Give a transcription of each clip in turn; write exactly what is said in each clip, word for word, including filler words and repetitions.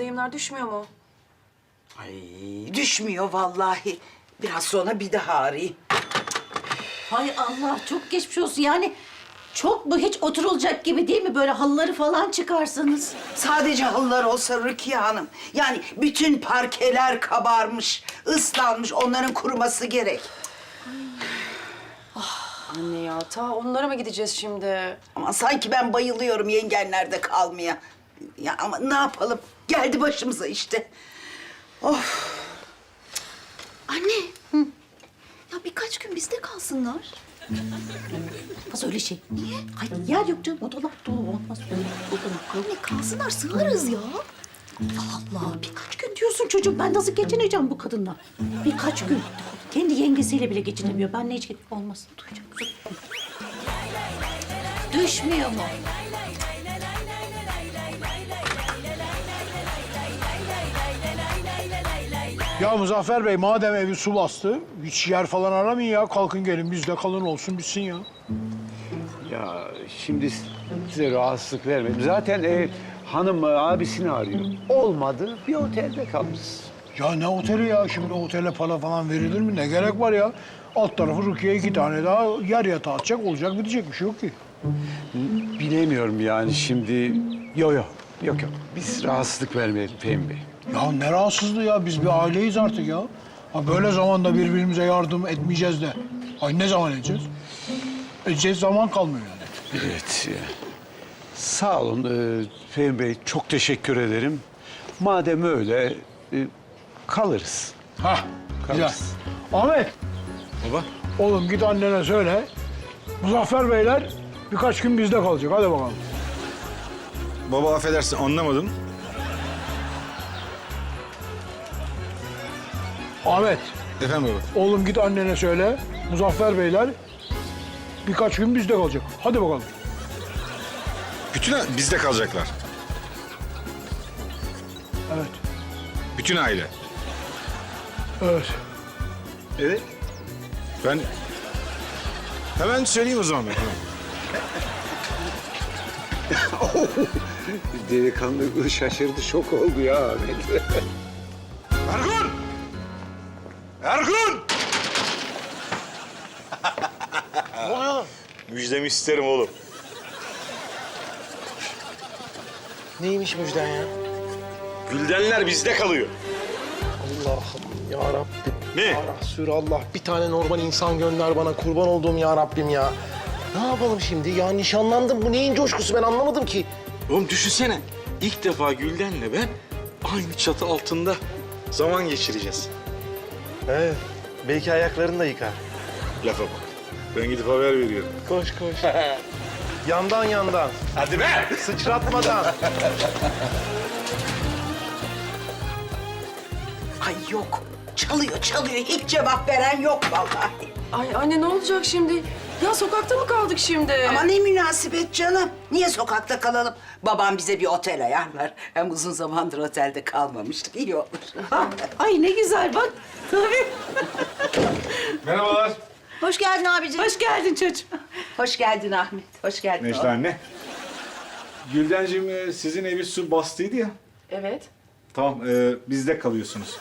Lehimler düşmüyor mu? Ay düşmüyor vallahi. Biraz sonra bir daha arayayım. Hay Allah, çok geçmiş olsun. Yani çok mu, hiç oturulacak gibi değil mi? Böyle halıları falan çıkarsanız. Sadece halılar olsa Rukiye Hanım. Yani bütün parkeler kabarmış, ıslanmış. Onların kuruması gerek. Anne ya, ta onlara mı gideceğiz şimdi? Ama sanki ben bayılıyorum yengenlerde kalmaya. Ya ama ne yapalım? Geldi başımıza işte. Of. Anne. Ya birkaç gün bizde kalsınlar. Olmaz öyle şey. Niye? Ay yer yok canım, o dolap dolu olmaz. Anne kalsınlar, sığarız ya. Allah, birkaç gün diyorsun çocuğum. Ben nasıl geçineceğim bu kadınla? Birkaç gün. Kendi yengesiyle bile geçinemiyor. Ben ne hiç olmaz. Duyacağım. Düşmüyor mu? Ya Muzaffer Bey, madem evi su bastı, hiç yer falan aramayın ya. Kalkın gelin, bizde kalın olsun, bitsin ya. Ya şimdi size rahatsızlık vermedim. Zaten e, hanım e, abisini arıyor. Olmadı, bir otelde kalırız. Ya ne oteli ya? Şimdi otele para falan verilir mi? Ne gerek var ya? Alt tarafı Rukiye iki tane daha yer yatağı atacak, olacak, bitecek bir şey yok ki. Bilemiyorum yani şimdi. Yok yok, yok yok. Biz rahatsızlık vermeyelim Fehmi Bey. Ya ne rahatsızlığı ya? Biz bir aileyiz artık ya. Ha böyle zamanda birbirimize yardım etmeyeceğiz de. Ay ne zaman edeceğiz? Edeceğiz zaman kalmıyor yani. Evet. ya. Sağ olun e, Fehmi Bey, çok teşekkür ederim. Madem öyle e, kalırız. Hah, güzel. Kalırız. Ahmet, Baba. oğlum git annene söyle. Muzaffer Beyler birkaç gün bizde kalacak. Hadi bakalım. Baba affedersin anlamadım. Ahmet, Efendim baba. oğlum git annene söyle. Muzaffer Beyler birkaç gün bizde kalacak. Hadi bakalım. Bütün a- bizde kalacaklar. Evet, Bütün aile. evet. Evet. Ben hemen söyleyeyim o zaman ben. Hemen. Delikanlı şaşırdı, şok oldu ya Ahmet. Ergun! Ergun! Ne oluyor? Müjdemi isterim oğlum. Neymiş müjden ya? Güldenler bizde kalıyor. Allah'ım ya Rabbim. Ne? Ya Resulallah, bir tane normal insan gönder bana, kurban olduğum ya Rabbim ya. Ne yapalım şimdi? Ya nişanlandım. Bu neyin coşkusu, ben anlamadım ki. Oğlum düşünsene. İlk defa Gülden'le ben aynı çatı altında zaman geçireceğiz. Evet. Belki ayaklarını da yıkar. Lafa bak. Ben gidip haber veriyorum. Koş koş. Yandan yandan. Hadi be! Sıçratmadan. Ay yok. Çalıyor, çalıyor. Hiç cevap veren yok vallahi. Ay anne ne olacak şimdi? Ya sokakta mı kaldık şimdi? Ama ne münasebet canım. Niye sokakta kalalım? Babam bize bir otel ayarlar. Hem uzun zamandır otelde kalmamıştık. İyi olur. Ay ne güzel bak. Tabii. Merhabalar. Hoş geldin abiciğim. Hoş geldin çocuğum. Hoş geldin Ahmet. Hoş geldin. Necla anne. Güldenciğim e, sizin evi su bastıydı ya. Evet. Tamam e, bizde kalıyorsunuz.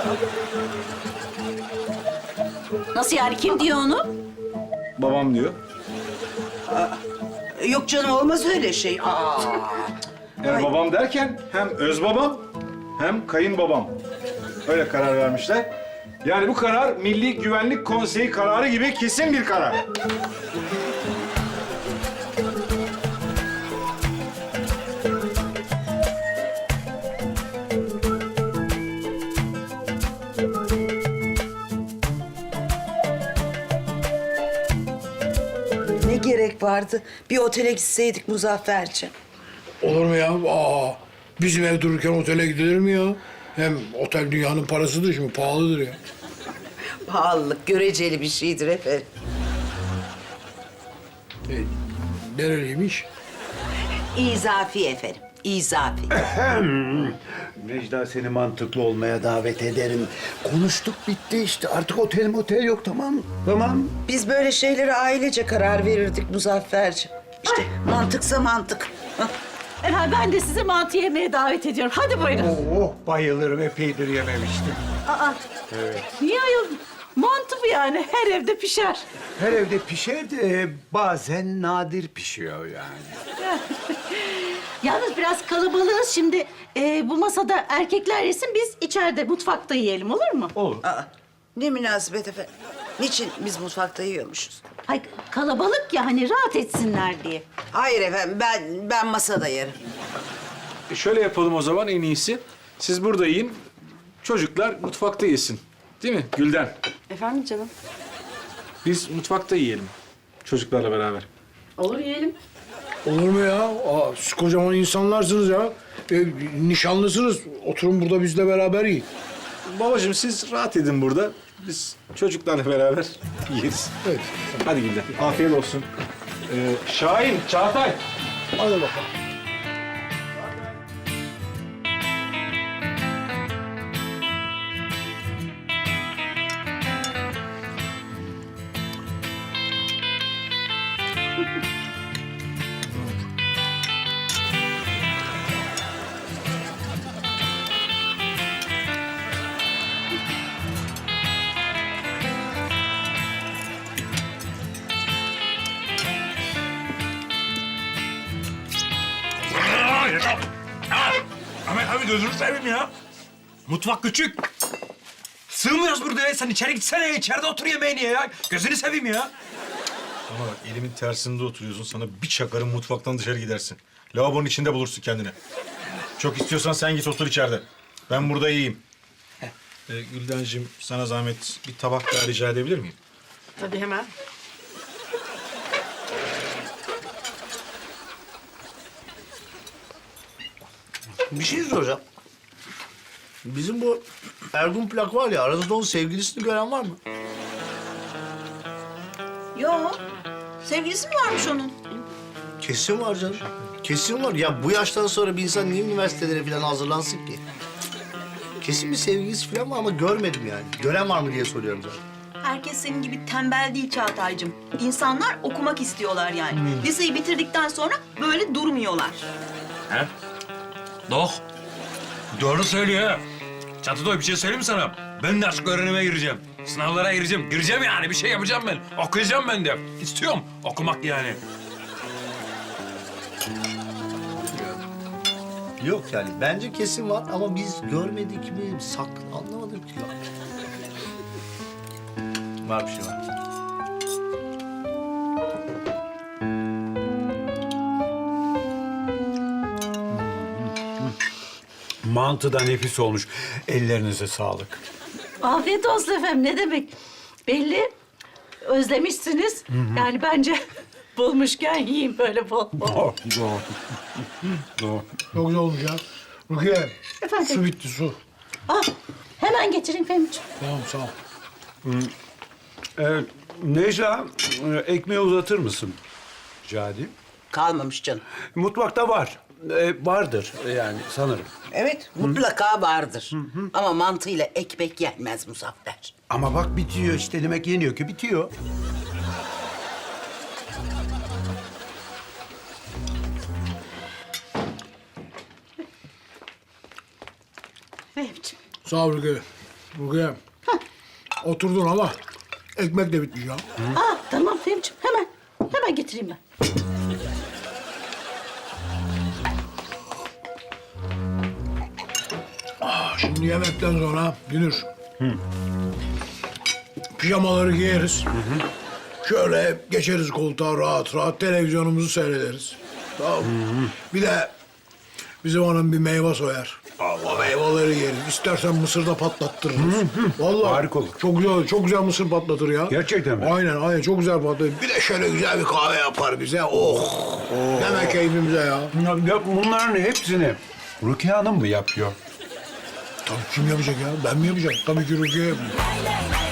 Nasıl yani, kim diyor onu? Babam diyor. Yok canım olmaz öyle şey. Aa. Yani babam derken hem öz babam hem kayınbabam. Öyle karar vermişler. Yani bu karar Milli Güvenlik Konseyi kararı gibi kesin bir karar. Ne gerek vardı? Bir otele gitseydik Muzafferciğim. Olur mu ya? Aa, bizim ev dururken otele gidilir mi ya? Hem otel dünyanın parasıdır şimdi, pahalıdır ya. Pahalılık göreceli bir şeydir efendim. E, nereliymiş? İzafi efendim. İzafi. Necla, seni mantıklı olmaya davet ederim. Konuştuk, bitti işte. Artık otel motel yok, tamam. Tamam. Biz böyle şeylere ailece karar verirdik Muzafferciğim. İşte mantıksa mantık. Hah. Efendim ben de sizi mantı yemeye davet ediyorum. Hadi buyurun. Oh, bayılırım. Epeydir yememiştim. Aa, niye ayol? Mantı bu yani. Her evde pişer. Her evde pişer de bazen nadir pişiyor yani. Yalnız biraz kalabalığız şimdi. Ee, bu masada erkekler yesin, biz içeride mutfakta yiyelim, olur mu? Olur. Aa, ne münasebet efendim. Niçin biz mutfakta yiyormuşuz? Hayır, kalabalık ya hani rahat etsinler diye. Hayır efendim, ben ben masada yerim. E şöyle yapalım o zaman en iyisi. Siz burada yiyin, çocuklar mutfakta yesin. Değil mi Gülden? Efendim canım? Biz mutfakta yiyelim. Çocuklarla beraber. Olur yiyelim. Olur mu ya? Aa, siz kocaman insanlarsınız ya. E, nişanlısınız. Oturun burada bizle beraber yiyin. Babacığım siz rahat edin burada. Biz çocuklarla beraber yeriz. Evet. Hadi Gülden. Afiyet olsun. Ee, Şahin, Çağatay. Hadi bakalım. Ahmet abi gözünü seveyim ya. Mutfak küçük. Sığmıyoruz burada ya. Sen içeri gitsene. İçeride otur yemeğini ya. Gözünü seveyim ya. Ama bak elimin tersinde oturuyorsun. Sana bir çakarım mutfaktan dışarı gidersin. Lavabonun içinde bulursun kendini. Çok istiyorsan sen git otur içeride. Ben burada yiyeyim. Ee, Güldenciğim sana zahmet bir tabak daha rica edebilir miyim? Tabii hemen. Bir şey soracağım. Bizim bu Ergun plak var ya, aranızda onun sevgilisini gören var mı? Yo. Sevgilisi mi varmış onun? Kesin var canım. Kesin var. Ya bu yaştan sonra bir insan niye üniversitelere falan hazırlansın ki? Kesin bir sevgilisi falan var ama görmedim yani. Gören var mı diye soruyorum zaten. Herkes senin gibi tembel değil Çağatay'cığım. İnsanlar okumak istiyorlar yani. Liseyi bitirdikten sonra böyle durmuyorlar. He? Dok. Doğru söylüyor ha. Çatıda bir şey söyleyeyim mi sana? Ben de aşk öğrenime gireceğim. Sınavlara gireceğim. Gireceğim yani. Bir şey yapacağım ben. Okuyacağım ben de. İstiyorum okumak yani. Yok yani bence kesin var ama biz görmedik mi, saklı anlamadım ki ya. Var bir şey var. Mantı da nefis olmuş. Ellerinize sağlık. Afiyet olsun efendim, ne demek? Belli, özlemişsiniz. Yani bence bulmuşken yiyin böyle bol bol. Oh, doğru. Doğru. Çok güzel olmuş ya. Rukiye, Efendim? su bitti su. Ah, hemen getireyim Fehmi'ciğim. Tamam sağ ol. Ee, Necla, e, ekmeği uzatır mısın? Rica edeyim. Kalmamış canım. Mutfakta var. Ee, vardır yani sanırım. Evet, mutlaka vardır. Ama mantıyla ekmek yenmez Muzaffer. Ama bak bitiyor işte. Demek yeniyor ki bitiyor. Fehmi'ciğim. Sağ ol Rukiye. Rukiye. Oturdun ama ekmek de bitmiş ya. Ah, tamam Fehmi'ciğim, hemen. Hemen getireyim ben. Şimdi yemekten sonra Dünür. Pijamaları giyeriz. Şöyle geçeriz koltuğa rahat rahat televizyonumuzu seyrederiz. Tamam mı? Bir de bizim hanım bir meyve soyar. O meyveleri yeriz. İstersen mısır da patlattırırız. Vallahi Harika olur. Çok güzel, çok güzel mısır patlatır ya. Gerçekten mi? Aynen, aynen. Çok güzel patlatır. Bir de şöyle güzel bir kahve yapar bize. Oh! Deme keyfimize ya. Ya, ya bunların hepsini Rukiye Hanım mı yapıyor? Tabii kim yapacak ya? Ben mi yapacağım? Tabii ki Rukiye yapıyor.